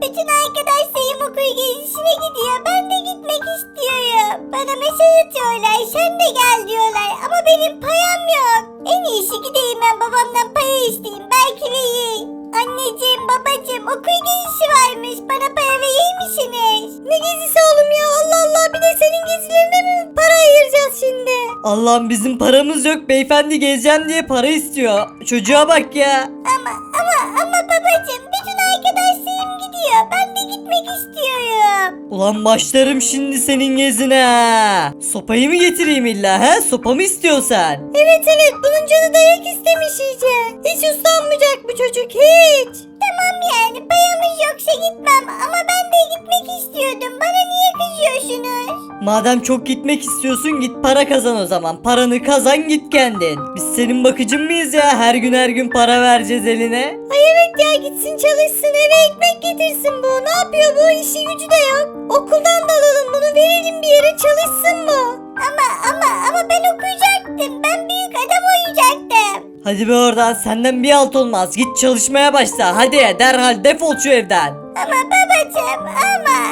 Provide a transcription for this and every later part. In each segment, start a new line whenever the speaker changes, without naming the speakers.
Bütün arkadaşlarım okul gezisine gidiyor. Ben de gitmek istiyorum. Bana mesaj atıyorlar. Sen de gel diyorlar. Ama benim payam yok. En iyisi gideyim ben babamdan para isteyeyim. Belki verir. Anneciğim, babacığım, okul gezisi varmış. Bana para verir misiniz? Ne gezisi oğlum ya? Allah Allah, bir de senin gezilerine mi para ayıracağız şimdi?
Allah'ım bizim paramız yok, beyefendi gezeceğim diye para istiyor. Çocuğa bak ya.
Ama babacığım, bütün arkadaşlarım gidiyor. Ben de gitmek istiyorum.
Ulan başlarım şimdi senin gezine. Ha. Sopayı mı getireyim illa he? Sopa mı istiyorsan?
Evet, bunun canı dayak istemiş iyice. Hiç uslanmayacak bu çocuk, hiç. Tamam yani, payamız yoksa gitmem ama ben de gitmek istiyordum. Bana niye kızıyorsunuz?
Madem çok gitmek istiyorsun git para kazan o zaman. Paranı kazan git kendin. Biz senin bakıcın mıyız ya? Her gün para vereceğiz eline.
Ay evet ya, gitsin çalışsın, eve ekmek getirsin bu. Ne yapıyor bu? İşi gücü de yok. Okuldan da alalım bunu, verelim bir yere, çalışsın bu. Ama ben okuyacaktım. Ben büyük adam olacaktım.
Hadi be oradan, senden bir alt olmaz. Git çalışmaya başla. Hadi derhal defol şu evden.
Ama babacığım, ama.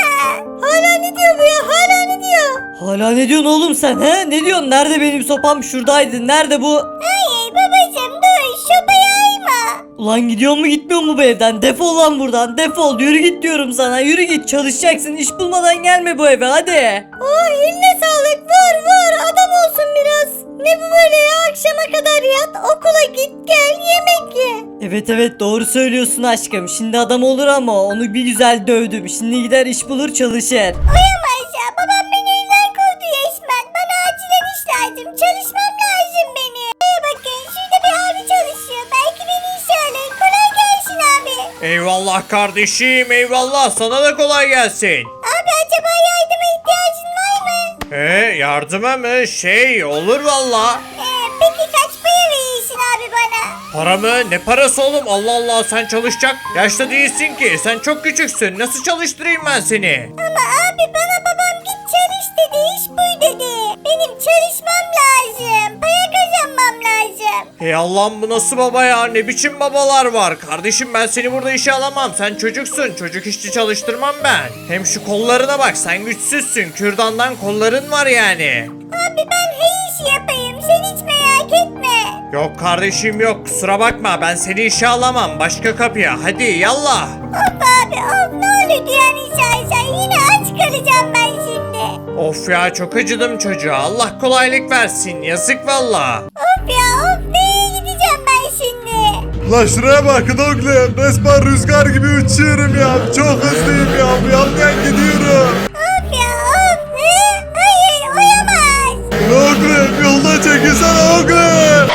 Hala ne diyor bu ya? Hala ne diyor?
Hala ne diyorsun oğlum sen he? Ne diyorsun? Nerede benim sopam? Şuradaydı. Nerede bu?
Hayır babacığım, dur, şopayı ayma.
Ulan gidiyor mu gitmiyor mu bu evden? Defol lan buradan. Defol. Yürü git diyorum sana. Yürü git. Çalışacaksın. İş bulmadan gelme bu eve. Hadi.
Oh, eline sağlık, vur adam olsun biraz. Ne bu böyle ya, akşama kadar yat, okula git gel, yemek ye.
Evet doğru söylüyorsun aşkım. Şimdi adam olur ama onu bir güzel dövdüm. Şimdi gider iş bulur çalışır.
Uyamaz ya, babam beni evden kovdu resmen. Bana acilen iş lazım, çalışmam lazım benim. Bakın şurada bir abi çalışıyor, belki beni işe alır. Kolay gelsin abi.
Eyvallah kardeşim, eyvallah, sana da kolay gelsin.
Abi acaba yardıma ihtiyacın var mı?
Yardıma mı? Olur valla.
Peki kaç para verirsin abi bana?
Para mı? Ne parası oğlum? Allah Allah, sen çalışacak yaşta değilsin ki. Sen çok küçüksün. Nasıl çalıştırayım ben seni?
Ama abi bana babam git çalış dedi, iş buy dedi. Benim çalışmam lazım, para kazanmam lazım.
Hey Allah'ım, bu nasıl baba ya? Ne biçim babalar var? Kardeşim ben seni burada işe alamam. Sen çocuksun. Çocuk işçi çalıştırmam ben. Hem şu kollarına bak, sen güçsüzsün. Kürdandan kolların var yani.
Abi ben her işi yapayım, sen hiç merak etme.
Yok kardeşim yok, kusura bakma, ben seni işe alamam. Başka kapıya, hadi yallah.
Of abi of, ne olur yani sen yine aç kalacağım ben şimdi.
Of ya, çok acıdım çocuğa. Allah kolaylık versin. Yazık valla.
Of ya of, nereye gideceğim ben şimdi?
La şuraya bakın oğlum. Resmen rüzgar gibi uçuyorum ya. Çok hızlıyım ya. Bu yandan gidiyorum.
Of ya of, hayır oyamaz.
La oğlum, yolda çekilsene oğlum.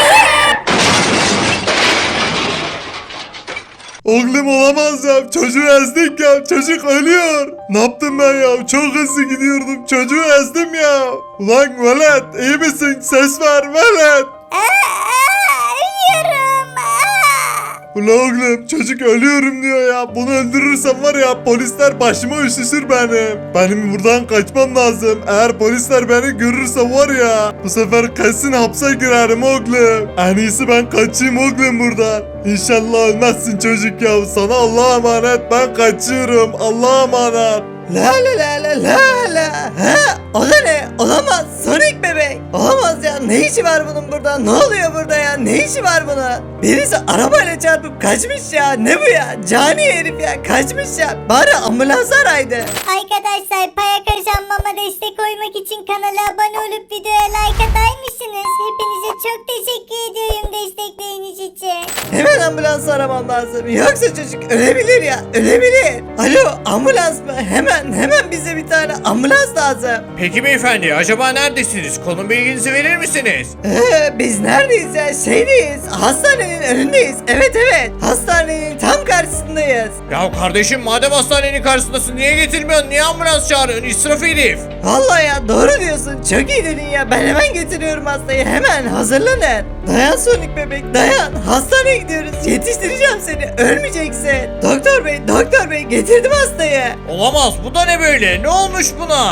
Oğlum olamaz ya. Çocuğu ezdik ya. Çocuk ölüyor. Ne yaptım ben ya? Çok hızlı gidiyordum. Çocuğu ezdim ya. Ulan velet, iyi misin? Ses ver velet.
Ölüyorum.
Ulan oğlum, çocuk ölüyorum diyor ya. Bunu öldürürsem var ya, polisler başıma üşüşür benim. Benim buradan kaçmam lazım. Eğer polisler beni görürse var ya, bu sefer kesin hapse girerim oğlum. En iyisi ben kaçayım oğlum buradan. İnşallah ölmezsin çocuk ya. Sana Allah'a emanet, ben kaçıyorum. Allah'a emanet.
La la. Ha? O da ne? Olamaz. Sonic bebek. Olamaz ya. Ne işi var bunun burada? Ne oluyor burada ya? Ne işi var bunun? Birisi arabayla çarpıp kaçmış ya. Ne bu ya? Cani herif ya. Kaçmış ya. Bari ambulans araydı.
Arkadaşlar, para kazanmama destek olmak için kanala abone olup videoya like atar mısınız? Hepinize çok teşekkür ediyorum destekleriniz için.
Hemen ambulans aramam lazım. Yoksa çocuk ölebilir ya. Ölebilir. Alo, ambulans mı? Hemen bize bir tane ambulans lazım.
Peki beyefendi, acaba neredesiniz? Konum bilginizi verir misiniz?
Biz neredeyiz ya? Şeydeyiz. Hastanenin önündeyiz. Evet. Hastanenin tam karşısındayız.
Ya kardeşim, madem hastanenin karşısındasın, niye getirmiyorsun? Niye ambulans çağırıyorsun? İsraf herif.
Vallahi ya doğru diyorsun. Çok iyi dedin ya. Ben hemen getiriyorum hastayı. Hemen hazırlanın. Dayan Sonic bebek dayan. Hastaneye gidiyoruz. Yetiştireceğim seni. Ölmeyeceksin. Doktor bey getirdim hastayı.
Olamaz, bu da ne böyle? Ne olmuş buna?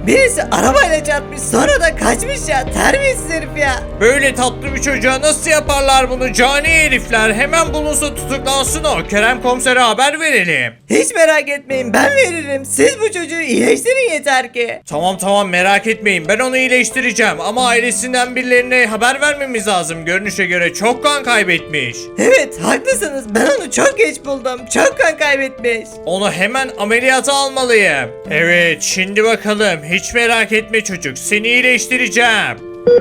Birisi arabayla çarpmış sonra da kaçmış ya. Terbiyesiz herif ya.
Böyle tatlı bir çocuğa nasıl yaparlar bunu cani herifler? Hemen bulunsun, tutuklansın o. Kerem komisere haber verelim.
Hiç merak etmeyin, ben veririm. Siz bu çocuğu iyileştirin yeter ki.
Tamam merak etmeyin, ben onu iyileştireceğim ama ailesinden birilerine haber vermemiz lazım. Görünüşe göre çok kan kaybetmiş.
Evet, haklısınız. Ben onu çok geç buldum. Çok kan kaybetmiş.
Onu hemen ameliyata almalıyım. Evet, şimdi bakalım, hiç merak etme çocuk, seni iyileştireceğim.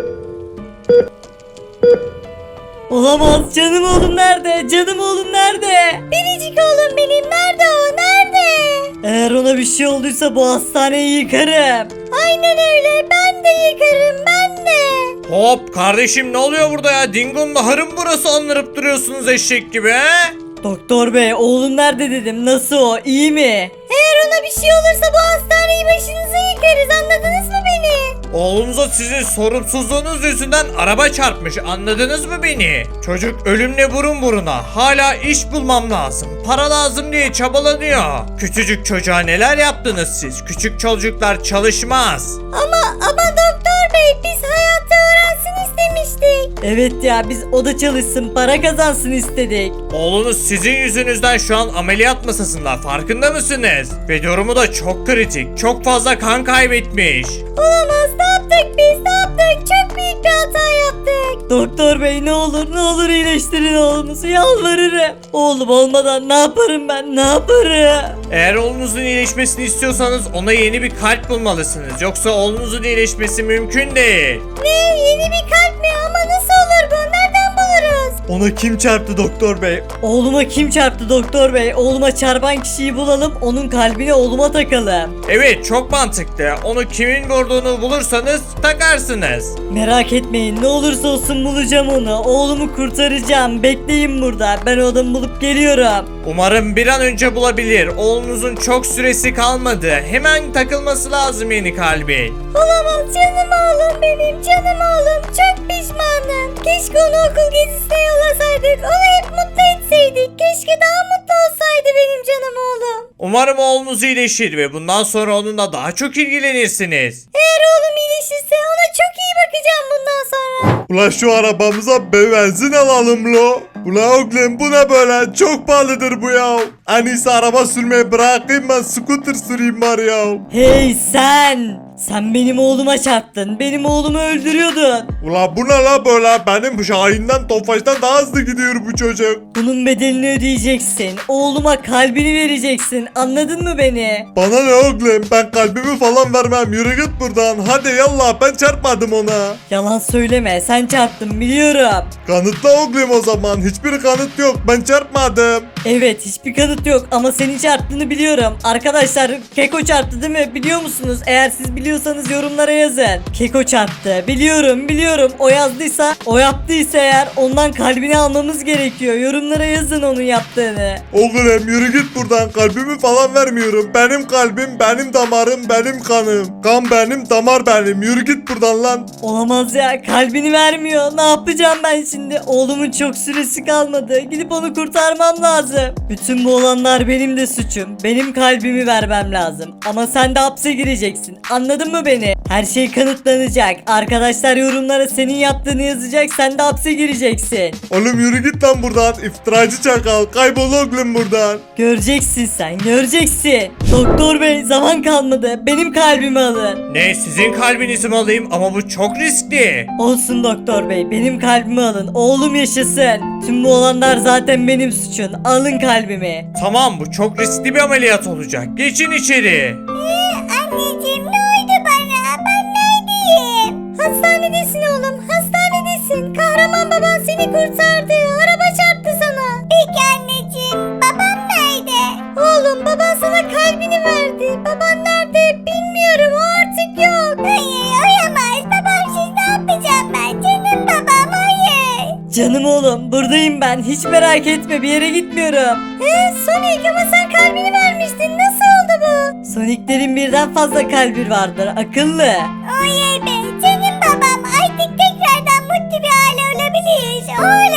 Olamaz, canım oğlum nerede? Canım oğlum nerede?
Biricik oğlum benim, nerede o, nerede?
Eğer ona bir şey olduysa bu hastaneyi yıkarım.
Aynen öyle, ben de yıkarım, ben de.
Hop kardeşim, ne oluyor burada ya? Dingo'nun ahırı mı burası, anırıp duruyorsunuz eşek gibi he?
Doktor bey, oğlum nerede dedim. Nasıl o? İyi mi?
Eğer ona bir şey olursa bu hastaneyi başınıza yıkarız, anladınız mı beni?
Oğlunuza sizin sorumsuzluğunuz yüzünden araba çarpmış, anladınız mı beni? Çocuk ölümle burun buruna, hala iş bulmam lazım, para lazım diye çabalanıyor. Küçücük çocuğa neler yaptınız siz? Küçük çocuklar çalışmaz.
Ama doktor bey, biz hayatta öğrensin istemiştik.
Evet ya, biz o da çalışsın, para kazansın istedik.
Oğlunuz sizin yüzünüzden şu an ameliyat masasında, farkında mısınız? Ve durumu da çok kritik, çok fazla kan kaybetmiş.
Olamaz, ne yaptık biz, ne yaptık? Çok büyük bir hata yaptık.
Doktor bey, ne olur iyileştirin oğlumuzu, yalvarırım. Oğlum olmadan ne yaparım ben, ne yaparım?
Eğer oğlunuzun iyileşmesini istiyorsanız ona yeni bir kalp bulmalısınız. Yoksa oğlunuzun iyileşmesi mümkün değil.
Ne, yeni bir kalp mi? Ama nasıl olur bu? Nereden buluruz?
Ona kim çarptı doktor bey?
Oğluma kim çarptı doktor bey? Oğluma çarpan kişiyi bulalım, onun kalbini oğluma takalım.
Evet, çok mantıklı. Onu kimin vurduğunu bulursanız takarsınız.
Merak etmeyin, ne olursa olsun bulacağım onu. Oğlumu kurtaracağım. Bekleyin burada. Ben o adamı bulup geliyorum.
Umarım bir an önce bulabilir. Oğlunuzun çok süresi kalmadı. Hemen takılması lazım yeni kalbi.
Olamaz, canım oğlum benim, canım oğlum. Çok pişmanım. Keşke onu okul gezisine yollasaydık. Onu hep mutlu etseydik. Keşke daha mutlu olsaydı benim canım oğlum.
Umarım oğlunuz iyileşir ve bundan sonra onunla daha çok ilgilenirsiniz.
Eğer oğlum iyileşirse ona çok iyi bakacağım bundan sonra.
Ula şu arabamıza benzin alalım lo. Ula oğlum bu ne böyle? Çok pahalıdır bu ya. En iyisi araba sürmeyi bırakayım, ben scooter süreyim var ya.
Hey sen! Sen benim oğluma çarptın. Benim oğlumu öldürüyordun.
Ula bu ne la böyle? Benim Şahin'den Tofaş'tan daha hızlı gidiyor bu çocuk.
Bunun bedelini ödeyeceksin. Oğluma kalbini vereceksin. Anladın mı beni?
Bana ne oğlum? Ben kalbimi falan vermem. Yürü git buradan. Hadi yallah, ben çarpmadım ona.
Yalan söyleme. Sen çarptın biliyorum.
Kanıtla oğlum o zaman. Hiçbir kanıt yok. Ben çarpmadım.
Evet, hiçbir kanıt yok ama senin çarptığını biliyorum. Arkadaşlar, Keko çarptı değil mi? Biliyor musunuz? Eğer siz biliyorsanız yorumlara yazın. Keko çarptı. Biliyorum. O yazdıysa, o yaptıysa eğer ondan kalbini almamız gerekiyor. Yorumlara yazın onun yaptığını.
Oğlum yürü git buradan. Kalbimi falan vermiyorum. Benim kalbim, benim damarım, benim kanım. Kan benim, damar benim. Yürü git buradan lan.
Olamaz ya, kalbini vermiyor. Ne yapacağım ben şimdi? Oğlumun çok süresi kalmadı. Gidip onu kurtarmam lazım. Bütün bu olanlar benim de suçum. Benim kalbimi vermem lazım. Ama sen de hapse gireceksin. Anladın mı beni? Her şey kanıtlanacak. Arkadaşlar yorumlara senin yaptığını yazacak. Sen de hapse gireceksin.
Oğlum yürü git lan buradan. İftiracı çakal. Kaybol oğlum buradan.
Göreceksin sen, göreceksin. Doktor bey, zaman kalmadı. Benim kalbimi alın.
Ne, sizin kalbinizi mi alayım? Ama bu çok riskli.
Olsun doktor bey, benim kalbimi alın. Oğlum yaşasın. Tüm bu olanlar zaten benim suçum. Alın kalbimi.
Tamam, bu çok riskli bir ameliyat olacak. Geçin içeri.
Anneciğim, ne oldu bana? Ben neredeyim? Hastanedesin oğlum, hastanedesin. Kahraman baban seni kurtardı. Araba çarptı sana. Peki anneciğim, babam nerede? Oğlum, baban sana kalbini verdi. Baban nerede bilmiyorum, o artık yok. Hayır, oyamaz. Babamsız ne yapacağım ben? Canım babam, hayır.
Canım oğlum, buradayım ben. Hiç merak etme, bir yere gitmiyorum.
Sonic, ama sen kalbini vermiştin. Nasıl oldu bu?
Sonic'lerin birden fazla kalbi vardır. Akıllı.
Oley be, canım babam. Artık tekrardan mutlu bir aile olabiliriz. Oley.